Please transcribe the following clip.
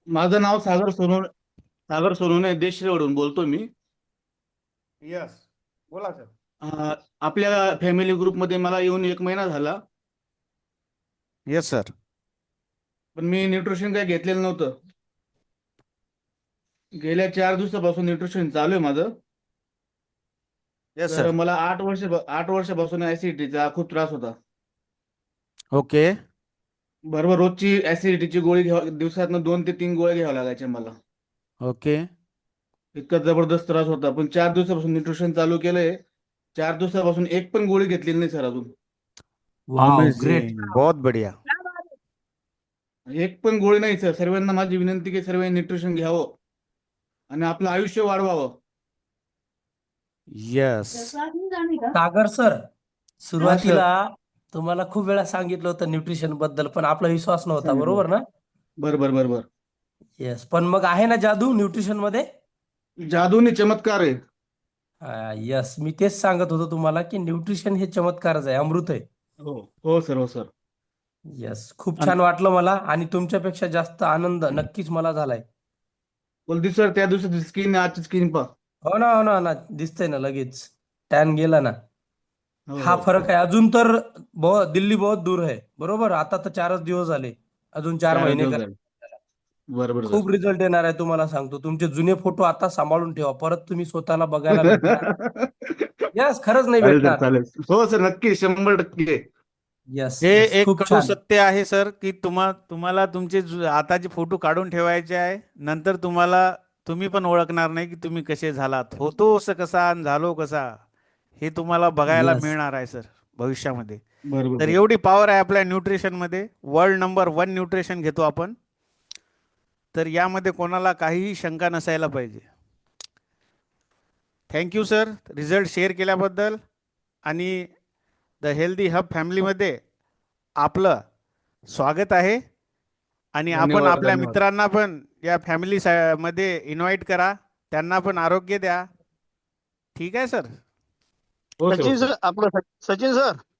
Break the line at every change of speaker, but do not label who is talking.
माझं नाव सागर सोनवणे देशरेवरून बोलतो मी.
यस, बोला सर.
आपल्या फॅमिली ग्रुपमध्ये मला येऊन 1 महिना झाला.
Yes sir.
पण मी न्यूट्रिशन काही घेतलेलं नव्हतं. गेल्या 4 दिवसापासून न्यूट्रिशन चालू आहे माझं.
येस
तर
सर.
मला 8 वर्षापासून ऍसिडिटीचा खूप त्रास होता.
ओके.
बरोबर रोजची ऍसिडिटीची गोळी दिवसातनं 2 ते 3 गोळ्या घ्याव्या लागायच्या मला.
ओके.
इतका जबरदस्त त्रास होता, पण 4 दिवसापासून न्यूट्रिशन चालू केलंय. 4 दिवसापासून एक पण गोळी घेतलेली नाही सर अजून.
Wow, great.
अमेझिंग, बहुत बढ़िया.
एक पण गोळी नाही सर. सर्वांना माझी विनंती की सर्वांनी न्यूट्रिशन घ्यावं आणि आपलं आयुष्य वाढवावं.
यस.
सागर सर,
हा सर.
सुरुवातीला तुम्हाला खूप वेळा सांगितलं होतं न्यूट्रिशन बद्दल, पण आपला विश्वास नव्हता,
सांगितलं.
बरोबर ना?
बरोबर बरोबर.
येस, पण मग आहे ना जादू न्यूट्रिशन मध्ये.
जादूने चमत्कार आहे.
यस, मी तेच सांगत होतो तुम्हाला की न्यूट्रिशन हे चमत्कारच आहे, अमृत आहे.
हो हो सर, हो सर.
येस, खूप
आणि
छान वाटलं मला आणि तुमच्यापेक्षा जास्त आनंद नक्कीच मला झालाय.
बोलती सर, त्या दिवसाची स्किन आजची स्किन पहा.
हो ना, हो ना, हो ना, दिसतंय ना लगेच. टॅन गेला ना.
हो
हा
हो.
फरक आहे. अजून तर दिल्ली बहुत दूर आहे, बरोबर. आता तर 4च दिवस झाले, अजून 4
4
महिने
दिवस
कर.
झाले. बरोबर सर.
खूप रिझल्ट येणार आहे, तुम्हाला सांगतो. तुमचे जुने फोटो आता सांभाळून ठेवा, परत तुम्ही स्वतःला बघायला भेटणार. यस, खरंच नाही
चालेल सर,
भेटणार.
चालेल. हो सर, नक्की 100%.
यस
हे
यस,
एक
खूप
कडू
छान.
सत्य आहे सर, की तुम्हाला तुमचे आताचे फोटो काढून ठेवायचे आहे. नंतर तुम्ही पण ओळखणार नाही की तुम्ही कसे झालात, होतो असं कसा आणि झालो कसा, हे तुम्हाला बघायला
यस.
मिळणार आहे सर भविष्यामध्ये.
बरोबर
तर
सर.
एवढी पॉवर आहे आपल्या न्यूट्रिशन मध्ये. वर्ल्ड नंबर 1 न्यूट्रिशन घेतो आपण. तर यामध्ये कोणाला काहीही शंका नसायला पाहिजे. थँक्यू सर, रिझल्ट शेअर केल्याबद्दल. आणि द हेल्दी हब फॅमिलीमध्ये आपलं स्वागत आहे. आणि आपण
धन्यवाद,
आपल्या
धन्यवाद.
मित्रांना पण या फॅमिली मध्ये इन्व्हाइट करा. त्यांना पण आरोग्य द्या. ठीक आहे सर.
हो सर, हो
सचिन
सर.
सर, आपलं सचिन सर.